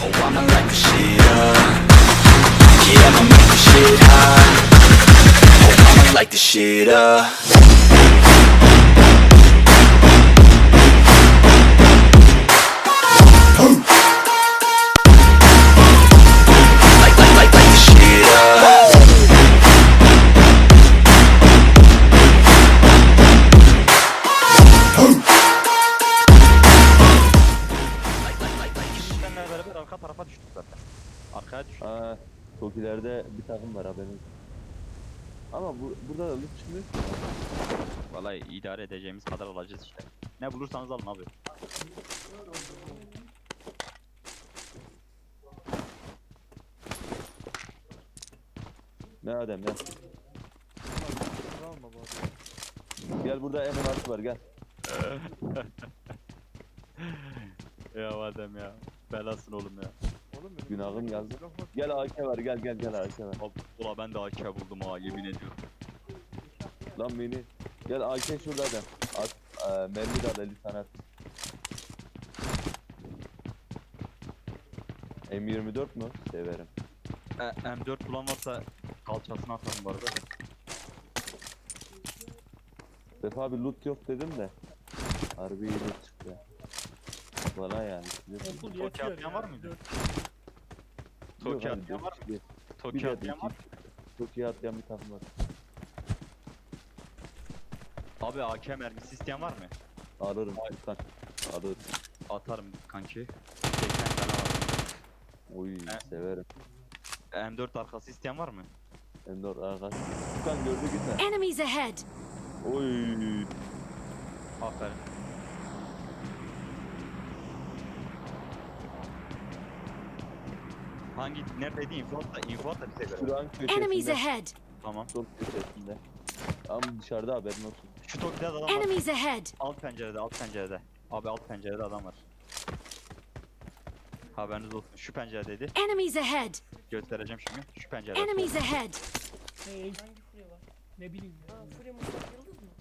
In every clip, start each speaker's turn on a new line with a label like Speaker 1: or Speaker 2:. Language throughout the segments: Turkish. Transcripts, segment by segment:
Speaker 1: Oh, I'ma light the shit up. Yeah, I'ma make the shit hot. Oh, I'ma light the shit up. Light the shit up.
Speaker 2: Seninle beraber arka tarafa düştük zaten. Arkaya düştük.
Speaker 3: Aa, çok ileride bir takım var haberiniz. Ama burada da loot çıkmıyor ki.
Speaker 2: Vallahi idare edeceğimiz kadar alacağız işte. Ne bulursanız alın abi.
Speaker 3: Ne Adem ya. Gel burada M16 var gel.
Speaker 2: Ya Adem ya. Belasın oğlum ya.
Speaker 3: Günahım yazdı. Gel AK var gel AK var.
Speaker 2: Abi, ula ben de AK buldum ha, yemin ediyorum.
Speaker 3: Lan beni. Gel AK şurada Adem. At, mermi de al 50 tane at. M24 mu? Severim.
Speaker 2: M4 bulan varsa kalçasına atalım bu arada.
Speaker 3: Sefa abi loot yok dedim de. Harbi iyi loot çıktı. Bana yani.
Speaker 4: Okul
Speaker 2: Toki
Speaker 4: yetiyor
Speaker 2: atlayan
Speaker 4: ya.
Speaker 2: var mıydı?
Speaker 3: Yok
Speaker 2: Toki
Speaker 3: abi,
Speaker 2: atlayan var mı?
Speaker 3: bir
Speaker 2: Toki
Speaker 3: de
Speaker 2: atlayan var mı?
Speaker 3: Çok iyi atlayan bir takım var.
Speaker 2: Abi AK mermisi isteyen var mı?
Speaker 3: Alırım lütfen. Alırım.
Speaker 2: Atarım kanki. 80 tane var.
Speaker 3: Oy
Speaker 2: He?
Speaker 3: severim.
Speaker 2: M4 arkası isteyen var mı?
Speaker 3: Endor arkadaş. Lütfen gördü gitme.
Speaker 5: Enemies ahead!
Speaker 3: Oy.
Speaker 2: Aferin. Neredeydi info at da bize göre.
Speaker 3: Şuranın
Speaker 5: Enemies
Speaker 3: köşesinde.
Speaker 5: ahead!
Speaker 2: Tamam.
Speaker 3: Sol köşesinde. Ama dışarıda haberin olsun.
Speaker 2: Şu Toki'de adam var.
Speaker 5: Enemies ahead!
Speaker 2: Alt pencerede. Abi alt pencerede adam var. Haberiniz olsun. Şu penceredeydi.
Speaker 5: Enemies ahead!
Speaker 2: Göstereceğim şimdi. Şu pencerede.
Speaker 5: Enemies ahead!
Speaker 4: Hangi furya var? Ne bileyim ya. Furya Mustafa Yıldız mı?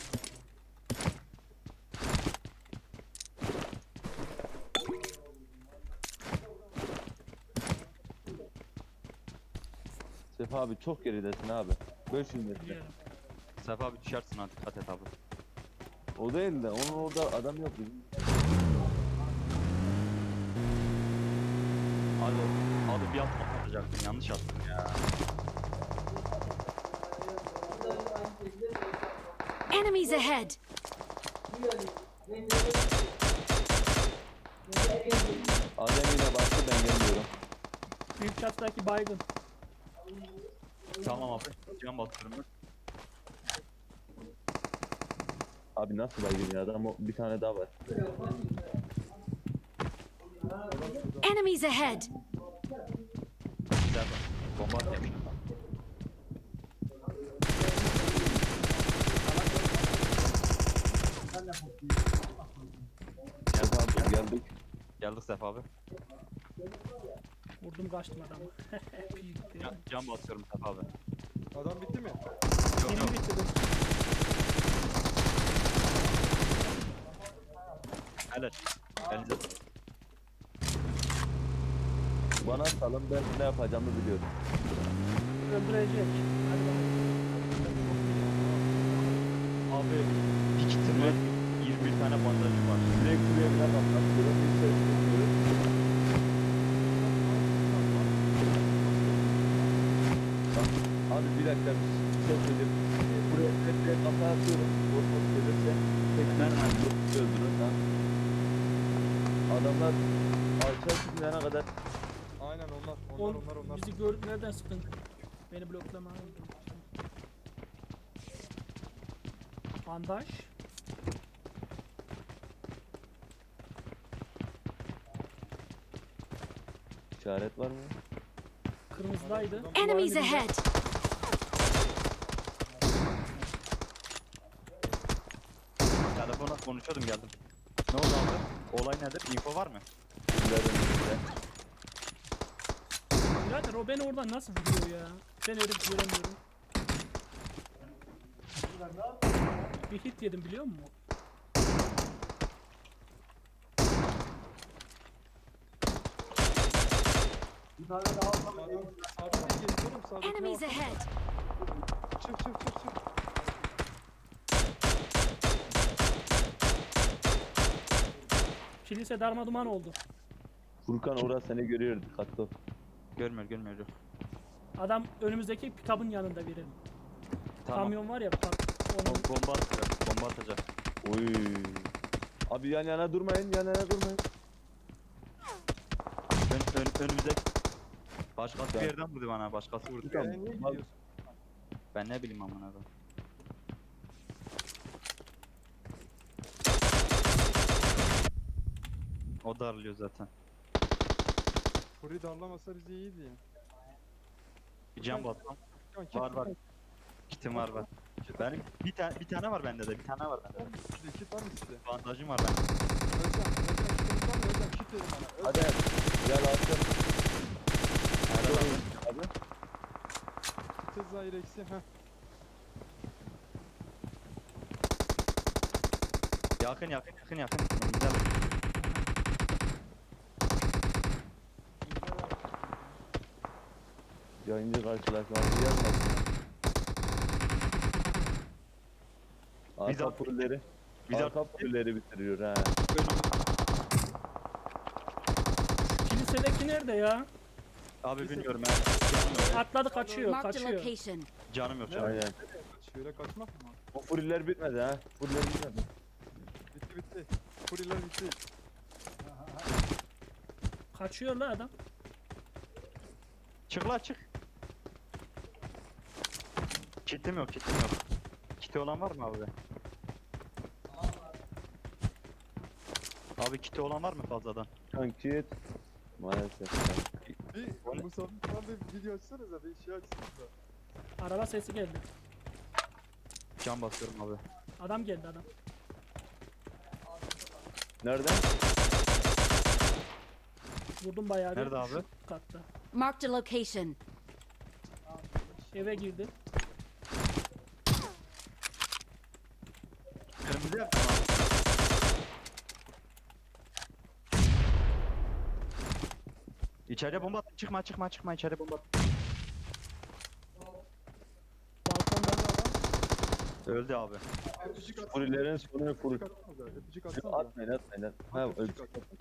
Speaker 3: Sefa abi çok geridesin abi. 500 metre.
Speaker 4: Biliyorum.
Speaker 2: Sefa abi düşersin ha, dikkat et abi.
Speaker 3: O değil de onun orada adam yok bizim.
Speaker 2: Abi bir atma atacaktım, yanlış attım ya.
Speaker 5: Enemies ahead!
Speaker 3: Adem yine bastı ben gelmiyorum.
Speaker 4: Büyük çattaki baygın.
Speaker 2: Tamam abi. Can basıyorum ben.
Speaker 3: Abi nasıl baygın ya adam bir tane daha var.
Speaker 5: Enemies ahead!
Speaker 2: Sefa. Bomba atayım.
Speaker 3: Sefa abi geldik.
Speaker 2: Geldik Sefa abi.
Speaker 4: Vurdum kaçtım adamı. Büyük ya.
Speaker 2: Can basıyorum Sefa abi.
Speaker 6: Adam bitti mi?
Speaker 2: Yok
Speaker 4: Benim
Speaker 2: yok.
Speaker 4: bitirdim.
Speaker 2: Helal. Elinize sağlık.
Speaker 3: Bana salın ben ne yapacağımı biliyorum.
Speaker 4: Öldürecek. Hadi bakalım.
Speaker 2: Abi bir kitim var. 21 tane bandajım var.
Speaker 3: Direkt buraya bile patlatıyorum. Bir ses duyuyorum. Bak, abi bir dakika bir şey söyleyeyim. Buraya bir kafa atıyorum. Bozmak gelirse tekrar öldürün lan. Adamlar alçak çıkmayana kadar
Speaker 6: Aynen onlar.
Speaker 4: Bizi gördük, nereden sıktın? Beni bloklama. Bandaj.
Speaker 3: işaret var mı?
Speaker 4: Kırmızıdaydı.
Speaker 5: Enemies ahead!
Speaker 2: Telefonla konuşuyordum, geldim. Ne oldu abi? Olay nedir? Info var mı?
Speaker 3: Kimlerden birinde?
Speaker 4: Birader o beni oradan nasıl vuruyor ya? Ben herif göremiyorum. Bir hit yedim biliyor musun?
Speaker 6: Sağdan değil geziyorum sağdaki.
Speaker 5: Enemies ahead!
Speaker 6: Çık çık çık çık.
Speaker 4: Kilise darmaduman oldu.
Speaker 3: Furkan orası seni görüyor, dikkatli ol.
Speaker 2: Görmüyor yok.
Speaker 4: Adam önümüzdeki pikabın yanında biri.
Speaker 2: Tamam.
Speaker 4: Kamyon var ya bak. Onun
Speaker 2: Bomba atacak. Bomba atacak.
Speaker 3: Oy. Abi yan yana durmayın, yan yana durmayın.
Speaker 2: Önümüzde. Başkası bir yerden vurdu bana. Başkası vurdu.
Speaker 3: Tamam.
Speaker 6: Niye
Speaker 3: Bak.
Speaker 6: gidiyorsun?
Speaker 2: Ben ne bileyim amına koyayım. O darlıyor zaten.
Speaker 6: Furi darlamasa bizi iyiydi ya.
Speaker 2: Bir can bassam.
Speaker 6: Furkan, kit,
Speaker 2: Var var.
Speaker 6: Furkan,
Speaker 2: Kitim var var.
Speaker 6: kit.
Speaker 2: Benim bir tane var bende de. Bir tane var bende de.
Speaker 6: Size kit var mı size?
Speaker 2: Bandajım var bende.
Speaker 6: Özcan kitiniz var mı? Özcan kit verin bana.
Speaker 3: Hadi gel attım.
Speaker 2: Helal abi.
Speaker 3: Abi.
Speaker 6: Kit zahir eksi. Heh.
Speaker 2: Yakın. Güzel.
Speaker 3: Yayıncı karşılaşması gelmesin.
Speaker 2: Biz
Speaker 3: Arka
Speaker 2: at-
Speaker 3: pulleri.
Speaker 2: biz
Speaker 3: Arka pulleri bitiriyor ha.
Speaker 4: kilisedeki nerede ya?
Speaker 2: Abi bilmiyorum ben. Canım yok.
Speaker 4: Atladı kaçıyor
Speaker 5: Marked a
Speaker 4: kaçıyor.
Speaker 5: location.
Speaker 2: Canım yok.
Speaker 3: Aynen.
Speaker 6: Şöyle kaçmak mı?
Speaker 3: O furiler bitmedi ha. Furiler bitmedi.
Speaker 6: Bitti bitti. Furiler bitti.
Speaker 4: Kaçıyor la adam.
Speaker 2: Çık la çık. Kitim yok. Kiti olan var mı abi? Abi kiti olan var mı fazladan?
Speaker 3: Kankit. Maalesef.
Speaker 6: Bir bu sabit bir video açsanıza bir şey açsanıza.
Speaker 4: Araba sesi geldi.
Speaker 2: Can basıyorum abi.
Speaker 4: Adam geldi adam.
Speaker 3: Nereden?
Speaker 4: Vurdum bayağı bir.
Speaker 2: Nerede abi?
Speaker 4: Şu katta.
Speaker 5: Marked a location.
Speaker 4: Eve girdi.
Speaker 2: Kırmızı yaptım abi. İçeriye bomba attım. Çıkma içeriye bomba attım.
Speaker 4: Balkonda
Speaker 2: Öldü abi.
Speaker 6: Öpücük atsanıza.
Speaker 3: Furilerin sonu furi.
Speaker 6: Öpücük atsanıza.
Speaker 3: Atmayın. Ha,
Speaker 6: Öpücük
Speaker 3: öpücük.
Speaker 6: at.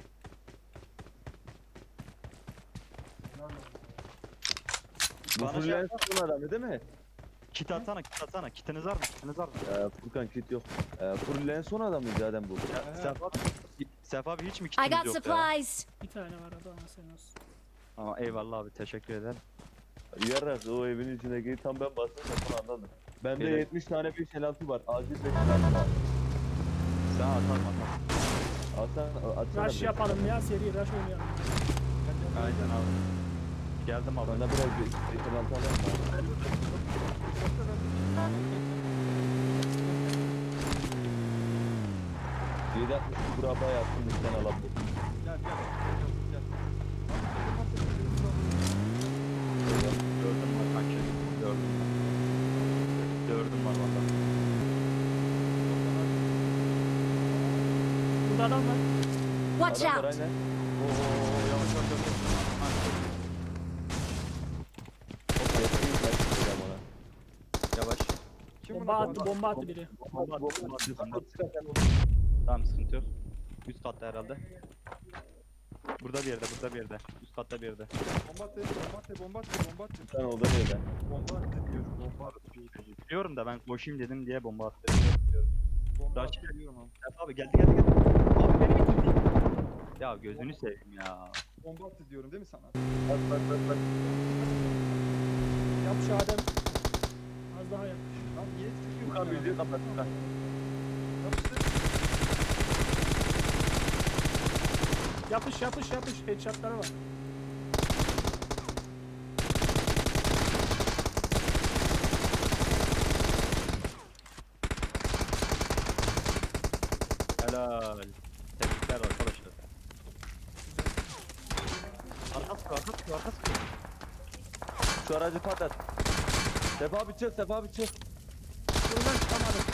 Speaker 3: Bu
Speaker 2: Bana
Speaker 3: furilerin son adamı değil mi?
Speaker 2: Kit atsana. Kitiniz var mı?
Speaker 3: Furkan kit yok. Furilerin son adamı zaten bu.
Speaker 2: Sef abi hiç mi
Speaker 5: I
Speaker 2: kitiniz
Speaker 5: got
Speaker 2: yok ya?
Speaker 5: supplies.
Speaker 4: bir tane var adam sen olsun.
Speaker 2: Ama eyvallah abi teşekkür ederim.
Speaker 3: Yarak o evin içindeki tam ben bastım da son anladım. Bende
Speaker 2: Evet.
Speaker 3: 70 tane 556 var. Acil 556 var.
Speaker 2: Sen atarım.
Speaker 3: Atsana.
Speaker 4: Rush yapalım ya seri rush oynayalım.
Speaker 2: Aynen abi. Geldim abi.
Speaker 3: Bana biraz 556 alalım mı? 760 buraya yaptım lütfen alabilirim.
Speaker 6: Gel gel. Gel.
Speaker 2: Gördüm var kanki. Gördüm var valla.
Speaker 4: Burada adam var.
Speaker 5: Watch
Speaker 3: Adam var
Speaker 5: out.
Speaker 3: aynen.
Speaker 2: Yavaş.
Speaker 3: Yetkiyi kaçıracağım ona.
Speaker 2: Yavaş.
Speaker 6: Kim
Speaker 4: Bomba
Speaker 6: bunu
Speaker 4: attı bomba attı biri.
Speaker 2: Bomba attı. Tamam sıkıntı yok. Üst katta herhalde. Burada bir yerde. Üst katta bir yerde.
Speaker 6: Bomba at.
Speaker 3: Sen orada nereden?
Speaker 6: Bomba at diyor. Bomba at.
Speaker 2: Biliyorum da ben koşayım dedim diye bomba attı.
Speaker 6: Bomba
Speaker 2: Rush.
Speaker 6: at diyorum abi.
Speaker 2: Abi geldi. Abi beni bitirdi. Ya gözünü seveyim ya.
Speaker 6: Bomba at diyorum değil mi sana?
Speaker 3: Bak.
Speaker 4: Yap şu Adem. Az daha yap.
Speaker 6: Lan niye çıkıyorsun?
Speaker 3: Furkan müziği kapat Furkan.
Speaker 4: Yapış headshotları var.
Speaker 2: Helal. Tebrikler arkadaşlar. Arkası.
Speaker 3: Şu aracı patlat. Sefa abi çık.
Speaker 4: Buradan çıkamadım.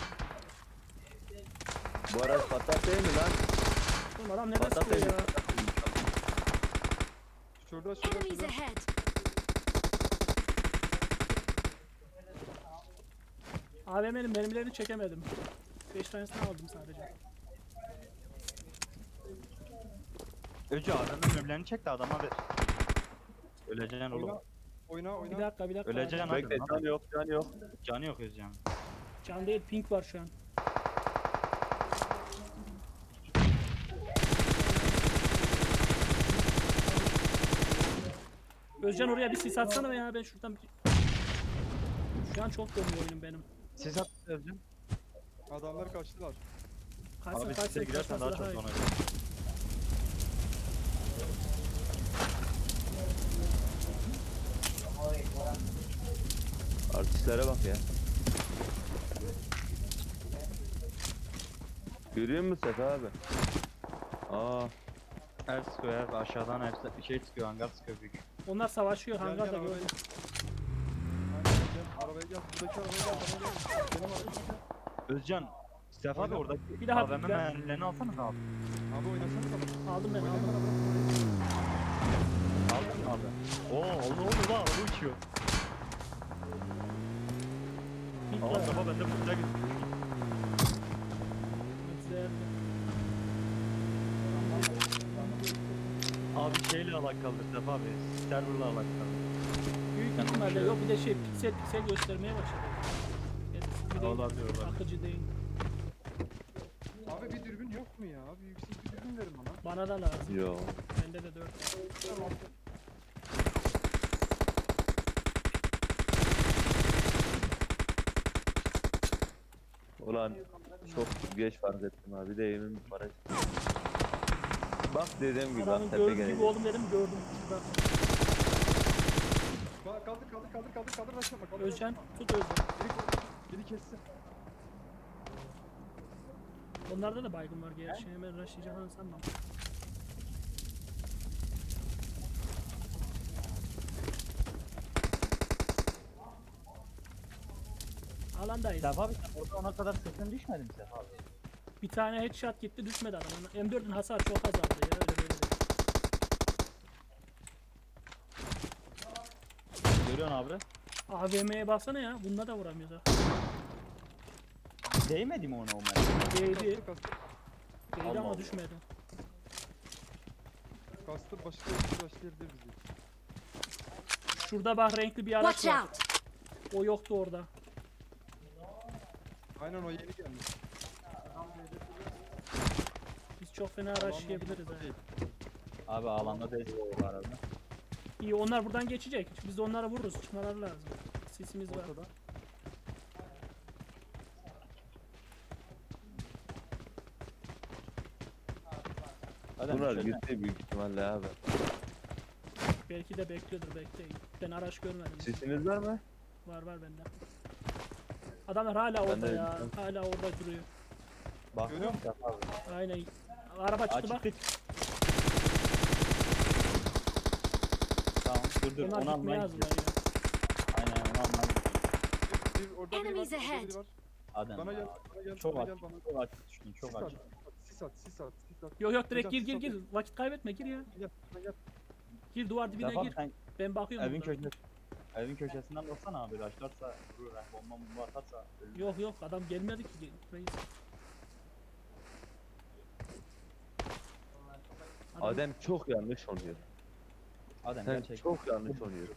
Speaker 3: Bu araç patlat değil mi lan?
Speaker 4: Oğlum adam nerede
Speaker 3: Patlat
Speaker 4: sıkıyor
Speaker 3: değil
Speaker 4: ya?
Speaker 3: mi?
Speaker 6: Şurada şurada
Speaker 5: Enemies
Speaker 6: şurada.
Speaker 5: ahead!
Speaker 4: AVM'nin mermilerini çekemedim. 5 tanesini aldım sadece.
Speaker 2: Öcü adamın ömürlerini çek de adama ver. Öleceksin oğlum.
Speaker 6: Oyna oyna
Speaker 4: Bir
Speaker 6: oyna.
Speaker 4: dakika bir dakika.
Speaker 2: Öleceksin
Speaker 3: Bekle
Speaker 2: hadi.
Speaker 3: can yok can yok.
Speaker 2: Canı yok Özcan.
Speaker 4: Can değil pink var şu an. Özcan oraya bir sis atsana ya ben şuradan bir... Şu an çok dönüyor oyunum benim.
Speaker 2: Siz at Özcan.
Speaker 6: Adamlar kaçtılar.
Speaker 4: Kaçsın
Speaker 2: Abi
Speaker 4: kaçsın
Speaker 2: size girersen daha
Speaker 4: kaçması
Speaker 2: çok
Speaker 4: iyi.
Speaker 2: sonra.
Speaker 3: Artistlere bak ya. Görüyor musun Sefa abi? Aa,
Speaker 2: El sıkıyor her aşağıdan hepsi bir şey çıkıyor hangar sıkıyor büyük.
Speaker 4: Onlar savaşıyor
Speaker 6: Gel
Speaker 4: hangarda
Speaker 6: gel arabaya
Speaker 4: gördüm.
Speaker 6: gel. Aynen gel arabaya gel. Buradaki arabaya gel. Bana gel. Benim arabaya gel.
Speaker 2: Özcan. Sefa abi
Speaker 6: Oyna.
Speaker 2: oradaki
Speaker 4: Bir daha
Speaker 2: AVM
Speaker 4: ben-
Speaker 2: mermilerini alsana abi.
Speaker 6: Abi oynasana da.
Speaker 4: Aldım ben
Speaker 6: Oynayın
Speaker 4: aldım.
Speaker 6: bana
Speaker 2: Aldın mı abi? Oo ne oldu lan araba uçuyor.
Speaker 4: Pink
Speaker 2: Aa
Speaker 4: var.
Speaker 2: Sefa bende burada gitti.
Speaker 4: Güzel.
Speaker 2: Abi şeyle alakalı Sefa abi. Serverla alakalı.
Speaker 4: Büyük ihtimalle yok bir de şey piksel göstermeye başladı. Gerisi bir de
Speaker 2: Olabilir, olabilir.
Speaker 4: akıcı değil.
Speaker 6: Abi bir dürbün yok mu ya? Abi yüksek bir dürbün verin bana.
Speaker 4: Bana da lazım.
Speaker 3: yo.
Speaker 4: Bende de 4.
Speaker 3: Ulan çok geç fark ettim abi. Bir de evimin parası. Bak dediğim gibi bak
Speaker 4: Adamın
Speaker 3: tepe
Speaker 4: gördüğü gibi
Speaker 3: gelecek.
Speaker 4: oldum dedim gördüm. Bak,
Speaker 6: Kaldır başlama. Kaldır.
Speaker 4: Özcan tut Özcan.
Speaker 6: Biri kessin.
Speaker 4: Onlarda da baygın var gerçi hemen rushlayacağını sanmam. Alandayız.
Speaker 2: Sefa abi sen orada ona kadar sesin düşmedi mi Sefa abi?
Speaker 4: Bir tane headshot gitti düşmedi adam. M4'ün hasarı çok azaldı ya öyle böyle değil.
Speaker 2: Görüyorsun abi.
Speaker 4: AVM'ye baksana ya bununla da vuramıyoruz ha.
Speaker 2: Değmedi mi ona o mermi?
Speaker 4: Değdi.
Speaker 6: Kastır.
Speaker 4: Değdi
Speaker 2: Allah
Speaker 4: ama
Speaker 2: Allah.
Speaker 4: düşmedi.
Speaker 6: Kastır başlayabilir bizi.
Speaker 4: Şurada bak renkli bir araç
Speaker 5: Watch
Speaker 4: var.
Speaker 5: out!
Speaker 4: O yoktu orada.
Speaker 6: Aynen o yeni gelmiş.
Speaker 4: Biz çok fena rushlayabiliriz ha.
Speaker 2: Abi alanda değil o arada.
Speaker 4: İyi onlar buradan geçecek. Biz de onlara vururuz. Çıkmaları lazım. Sesimiz var.
Speaker 6: Ortada.
Speaker 3: Bunlar gitti büyük ihtimalle abi.
Speaker 4: Belki de bekliyordur bekleyin. Ben araç görmedim.
Speaker 3: Sesiniz var mı?
Speaker 4: Var bende. Adamlar hala orada
Speaker 3: de-
Speaker 4: ya. Hala orada duruyor.
Speaker 2: Bak
Speaker 6: Görüyor musun?
Speaker 2: Sefa abi.
Speaker 4: Aynen. Araba çıktı bak.
Speaker 2: Açtık. Tamam dur
Speaker 4: Onlar
Speaker 2: onu
Speaker 4: gitmeye
Speaker 2: almaya
Speaker 4: hazırlar
Speaker 2: gidiyoruz.
Speaker 4: ya.
Speaker 2: Aynen onu almaya gidiyoruz.
Speaker 6: Orada biri var.
Speaker 5: Enemies
Speaker 6: Orada
Speaker 5: ahead.
Speaker 6: biri var.
Speaker 2: Adem
Speaker 6: Bana
Speaker 2: ya.
Speaker 6: gel. Bana gel.
Speaker 2: Çok
Speaker 6: Bana
Speaker 2: aç.
Speaker 6: gel bana.
Speaker 2: Çok aç düştün çok aç.
Speaker 6: Sis at.
Speaker 4: Yok yok direkt
Speaker 6: Hocam,
Speaker 4: gir
Speaker 6: siz
Speaker 4: gir. Vakit kaybetme gir ya.
Speaker 6: Gel. Bana gel.
Speaker 4: Gir duvar dibine
Speaker 2: Sefa abi
Speaker 4: gir.
Speaker 2: sen
Speaker 4: Ben bakıyorum.
Speaker 2: evin
Speaker 4: buradan.
Speaker 2: köşesinde. Evin köşesinden baksana abi başlarsa vurur ha bomba atarsa ölür.
Speaker 4: Yok yok adam gelmedi ki reis. Adam-
Speaker 3: Adem çok yanlış oluyor.
Speaker 2: Adem
Speaker 3: Sen
Speaker 2: gerçekten.
Speaker 3: çok yanlış oluyor.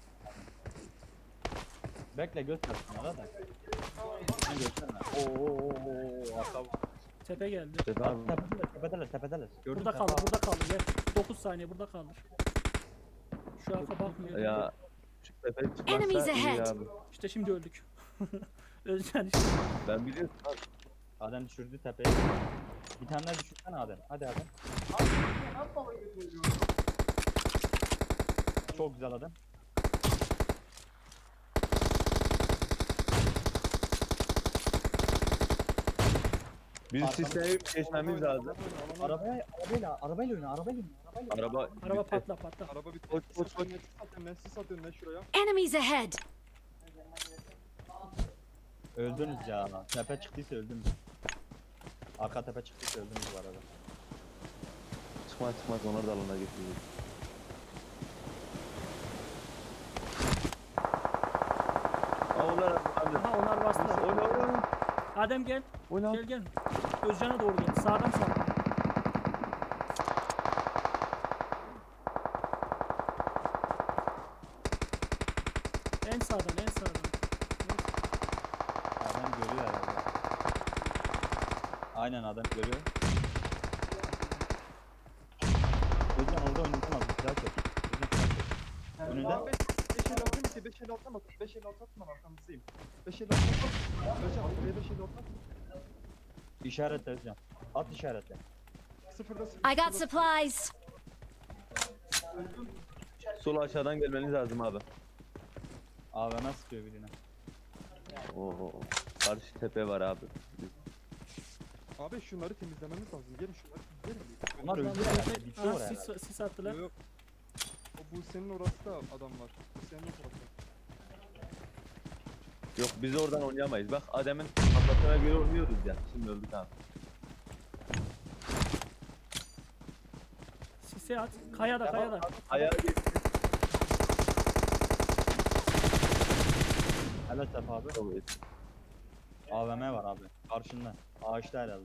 Speaker 2: Bekle göster bana da. Sen gösterme. Oo arka.
Speaker 4: Tepe geldi.
Speaker 3: Sefa abi
Speaker 2: Tepedeler. Gördün
Speaker 4: Burada
Speaker 2: Sefa
Speaker 4: kaldır
Speaker 2: abi.
Speaker 4: burada kaldır. Gel. 9 saniye burada kaldır. Şu arka bakmıyor.
Speaker 3: ya şu tepe
Speaker 5: Enemies
Speaker 3: çıkmazsa iyi
Speaker 5: ahead.
Speaker 3: abi.
Speaker 4: İşte şimdi öldük. Özcan işte.
Speaker 3: Ben biliyorum abi.
Speaker 2: Adem düşürdü tepeyi. Bir tane daha düşürsene Adem. Hadi Adem. Çok güzel Adem.
Speaker 3: Biz sistemi geçmemiz lazım.
Speaker 2: Arabayla oyna.
Speaker 3: Araba
Speaker 4: Araba
Speaker 3: bitti.
Speaker 4: patla patla.
Speaker 6: Araba bitti.
Speaker 3: Koş, koş, koş.
Speaker 6: Sis at önüne şuraya.
Speaker 5: Enemies ahead!
Speaker 2: Öldünüz ya. Tepe çıktıysa öldünüz. Arka tepe çıktıysa öldünüz bu arada.
Speaker 3: Çıkmaz onları da alana getirdik. bastılar abi.
Speaker 4: Aha onlar bastılar.
Speaker 3: Oyna.
Speaker 4: Adem gel.
Speaker 6: Oyna.
Speaker 4: Gel gel. Özcan'a doğru gel. Sağdan sağ. En sağdan en sağdan.
Speaker 2: Adam görüyor herhalde. Aynen adam görüyor. Özcan orada oynatamaz. Silah çek. Özcan silah çek. Önünde.
Speaker 6: Abi 556 mı ki? 556 mı? 556 atma arkamızdayım. 556 atma. Özcan buraya 556 atma.
Speaker 2: İşaretle Özcan. At işaretle.
Speaker 6: Sıfırda sıfır.
Speaker 5: I got supplies.
Speaker 3: Sol aşağıdan gelmeniz lazım abi.
Speaker 2: AVM sıkıyor birine.
Speaker 3: Oo. Karşı tepe var abi.
Speaker 6: Abi şunları temizlememiz lazım. Gelin şunları temizleyelim.
Speaker 2: Onlar öldü herhalde. Bitti
Speaker 4: Aha,
Speaker 2: oraya herhalde.
Speaker 4: sis attılar.
Speaker 6: Yok. O bu senin orası da adam var. Bu senin o tarafta.
Speaker 3: Yok biz oradan oynayamayız. Bak Adem'in kafasına göre oynuyoruz ya. Şimdi öldük abi.
Speaker 4: Sisi at. Kayada kayada.
Speaker 3: Ayağa geç.
Speaker 2: Helal Sefa abi. AVM var abi. Karşında. Ağaçta herhalde.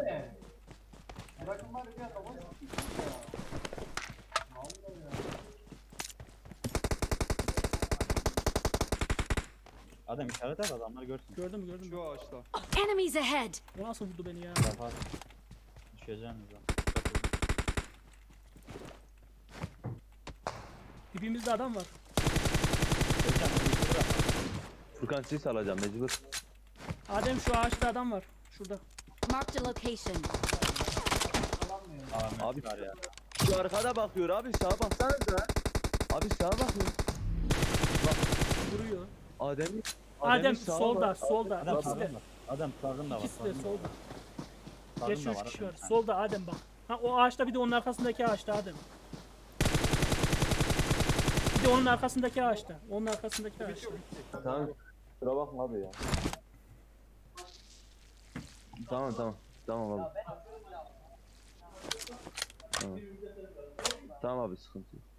Speaker 2: Adam işaret et adamlar görsün.
Speaker 4: Gördüm gördüm.
Speaker 6: Şu ağaçta.
Speaker 5: Enemies ahead.
Speaker 4: O nasıl vurdu beni ya?
Speaker 2: Sefa. Düşeceğiniz lan.
Speaker 4: Dibimizde adam var.
Speaker 2: Özcan onu bırak.
Speaker 3: Furkan sis alacağım mecbur.
Speaker 4: Adem şu ağaçta adam var. Şurada.
Speaker 5: Marked a location.
Speaker 2: AVM
Speaker 3: Abi
Speaker 2: var ya.
Speaker 3: şu arkada bakıyor abi sağa baksanıza. Abi sağa bakın.
Speaker 4: Vuruyor.
Speaker 3: Adem'in
Speaker 4: Adem
Speaker 3: sağa
Speaker 4: solda
Speaker 3: bak.
Speaker 4: solda.
Speaker 2: Adam
Speaker 4: İkisi de.
Speaker 2: sağında. Adam sağında var.
Speaker 4: İkisi de
Speaker 2: sağında.
Speaker 4: solda.
Speaker 2: Sağında
Speaker 4: Geç 3
Speaker 2: var,
Speaker 4: kişi var.
Speaker 2: adam.
Speaker 4: Solda Adem bak. Ha o ağaçta bir de onun arkasındaki ağaçta Adem. Bir de onun arkasındaki ağaçta. Onun arkasındaki ağaçta.
Speaker 3: Tamam. Kusura bakma abi ya. Tamam tamam. Tamam abi. Tamam. Tamam abi sıkıntı yok.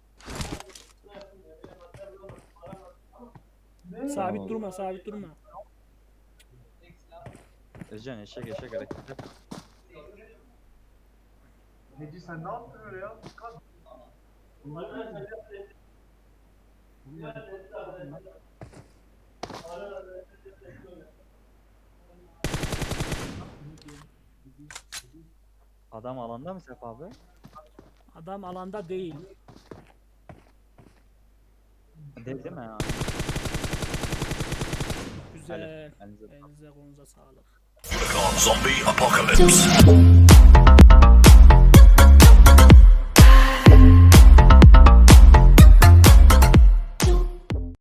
Speaker 4: Sabit durma sabit durma.
Speaker 2: Özcan eşek hareket yap. Adam alanda mı Sefa abi?
Speaker 4: Adam alanda değil.
Speaker 2: Değil mi ya?
Speaker 4: Güzel.
Speaker 2: Elinize
Speaker 4: Elinize kolunuza sağlık.
Speaker 1: Zombie apocalypse.